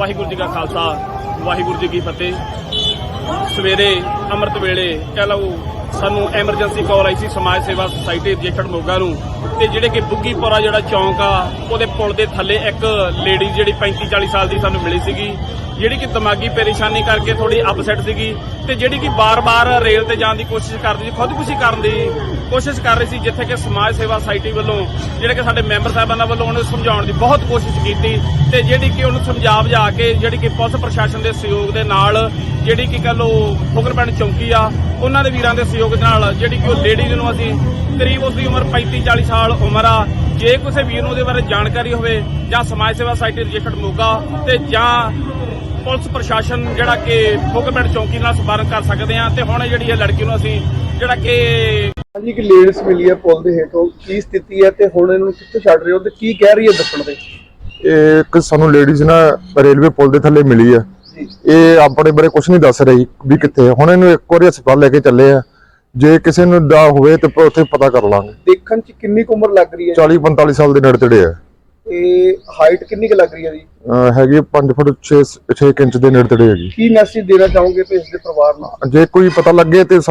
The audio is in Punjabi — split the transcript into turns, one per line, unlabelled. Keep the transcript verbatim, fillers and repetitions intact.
ਵਾਹਿਗੁਰੂ ਜੀ ਕਾ ਖਾਲਸਾ ਵਾਹਿਗੁਰੂ ਜੀ ਕੀ ਫਤਿਹ। ਸਵੇਰੇ ਅੰਮ੍ਰਿਤ ਵੇਲੇ ਕਹਿ ਲਓ ਸਾਨੂੰ ਐਮਰਜੈਂਸੀ ਕਾਲ ਆਈ ਸੀ ਸਮਾਜ ਸੇਵਾ ਸੁਸਾਇਟੀ ਰਜਿਸਟਰਡ ਮੋਗਾ ਨੂੰ, ਤੇ ਜਿਹੜੇ ਕਿ ਬੁੱਗੀਪੁਰਾ ਜਿਹੜਾ ਚੌਂਕ ਆ ਉਹਦੇ ਪੁਲ ਦੇ ਥੱਲੇ ਇੱਕ ਲੇਡੀ ਜਿਹੜੀ ਪੈਂਤੀ ਚਾਲੀ ਸਾਲ ਦੀ ਸਾਨੂੰ ਮਿਲੀ ਸੀਗੀ, ਜਿਹੜੀ ਕਿ ਦਿਮਾਗੀ ਪਰੇਸ਼ਾਨੀ ਕਰਕੇ ਥੋੜੀ ਅਪਸੈਟ ਸੀਗੀ ਤੇ ਜਿਹੜੀ ਕਿ ਬਾਰ-ਬਾਰ ਰੇਲ ਤੇ ਜਾਣ ਦੀ ਕੋਸ਼ਿਸ਼ ਕਰਦੀ ਸੀ, ਖੁਦਕੁਸ਼ੀ ਕਰਨ ਦੀ ਕੋਸ਼ਿਸ਼ ਕਰ ਰਹੀ ਸੀ, ਜਿੱਥੇ ਕਿ ਸਮਾਜ ਸੇਵਾ ਸੁਸਾਇਟੀ ਵੱਲੋਂ ਜਿਹੜੇ ਕਿ ਸਾਡੇ ਮੈਂਬਰ ਸਾਹਿਬਾਨਾਂ ਵੱਲੋਂ ਉਹਨੂੰ ਸਮਝਾਉਣ ਦੀ ਬਹੁਤ ਕੋਸ਼ਿਸ਼ ਕੀਤੀ ਤੇ ਜਿਹੜੀ ਕਿ ਉਹਨੂੰ ਸਮਝਾ ਬੁਝਾ ਕੇ ਜਿਹੜੀ ਕਿ ਪੁਲਿਸ ਪ੍ਰਸ਼ਾਸਨ ਦੇ ਸਹਿਯੋਗ ਦੇ ਨਾਲ ਜਿਹੜੀ ਕਿ ਕਹ ਲਓ ਫੁਕਰਪਿੰਡ ਚੌਂਕੀ ਆ ਉਹਨਾਂ ਦੇ ਵੀਰਾਂ ਦੇ ਸਹਿਯੋਗ ਨਾਲ ਜਿਹੜੀ ਕਿ ਉਹ ਲੇਡੀ ਨੂੰ ਅਸੀਂ ਕਰੀਬ ਉਸ ਦੀ ਉਮਰ ਪੈਂਤੀ ਚਾਲੀ ਸਾਲ ਉਮਰ ਆ, ਜੇ ਕਿਸੇ ਵੀਰ ਨੂੰ ਉਹਦੇ ਬਾਰੇ ਜਾਣਕਾਰੀ ਹੋਵੇ ਜਾਂ ਸਮਾਜ ਸੇਵਾ ਸੁਸਾਇਟੀ ਰਜਿਸਟਰਡ ਮੋਗਾ ਤੇ ਜਾਂ ਪੁਲਿਸ ਪ੍ਰਸ਼ਾਸਨ ਜਿਹੜਾ ਕਿ ਫੁਕਰਪਿੰਡ ਚੌਂਕੀ ਨਾਲ ਸੰਪਰਕ ਕਰ ਸਕਦੇ ਆ। ਤੇ ਹੁਣ ਜਿਹੜੀ ਇਹ ਲੜਕੀ ਨੂੰ ਅਸੀਂ ਜਿਹੜਾ ਕਿ
ਹਾਂਜੀ ਕਿ ਲੇਡੀਜ਼ ਮਿਲੀ ਹੈ ਪੁਲ ਦੇ ਹੇਠੋਂ, ਕੀ ਸਥਿਤੀ ਹੈ ਤੇ ਹੁਣ ਇਹਨੂੰ ਕਿੱਥੇ ਛੱਡ ਰਹੇ ਹੋ ਤੇ ਕੀ ਕਹਿ ਰਹੀ ਹੈ ਦੱਸਣ ਦੇ?
ਇਹ ਇੱਕ ਸਾਨੂੰ ਲੇਡੀਜ਼ ਨਾ ਰੇਲਵੇ ਪੁਲ ਦੇ ਥੱਲੇ ਮਿਲੀ ਆ, ਇਹ ਆਪਣੇ ਬਾਰੇ ਕੁਝ ਨਹੀਂ ਦੱਸ ਰਹੀ ਵੀ ਕਿੱਥੇ। ਹੁਣ ਇਹਨੂੰ ਇੱਕ ਵਾਰੀ ਹਸਪਤਾਲ ਲੈ ਕੇ ਚੱਲੇ ਆ, ਜੇ ਕਿਸੇ ਨੂੰ ਦਾ ਹੋਵੇ ਤੇ ਉੱਥੇ ਪਤਾ ਕਰ ਲਾਂਗੇ।
ਦੇਖਣ ਚ ਕਿੰਨੀ ਕੁ ਉਮਰ ਲੱਗ ਰਹੀ ਹੈ?
ਚਾਲੀ ਪੰਤਾਲੀ ਸਾਲ ਦੇ ਨੇੜੇ ਤੇੜੇ ਆ।
ਤੇ ਹਾਈਟ ਕਿੰਨੀ ਕੁ ਲੱਗ ਰਹੀ ਹੈ ਜੀ?
ਹੈਗੀ ਪੰਜ ਫੁੱਟ ਛੇ ਇੰਚ ਦੇ ਨੇੜੇ ਤੇੜੇ ਹੈਗੀ।
ਕੀ ਮੈਸੇਜ ਦੇਣਾ ਚਾਹੋਗੇ ਤੇ ਇਸ ਦੇ ਪਰਿਵਾਰ ਨੂੰ?
ਜੇ ਕੋਈ ਪਤਾ ਲੱਗੇ ਤੇ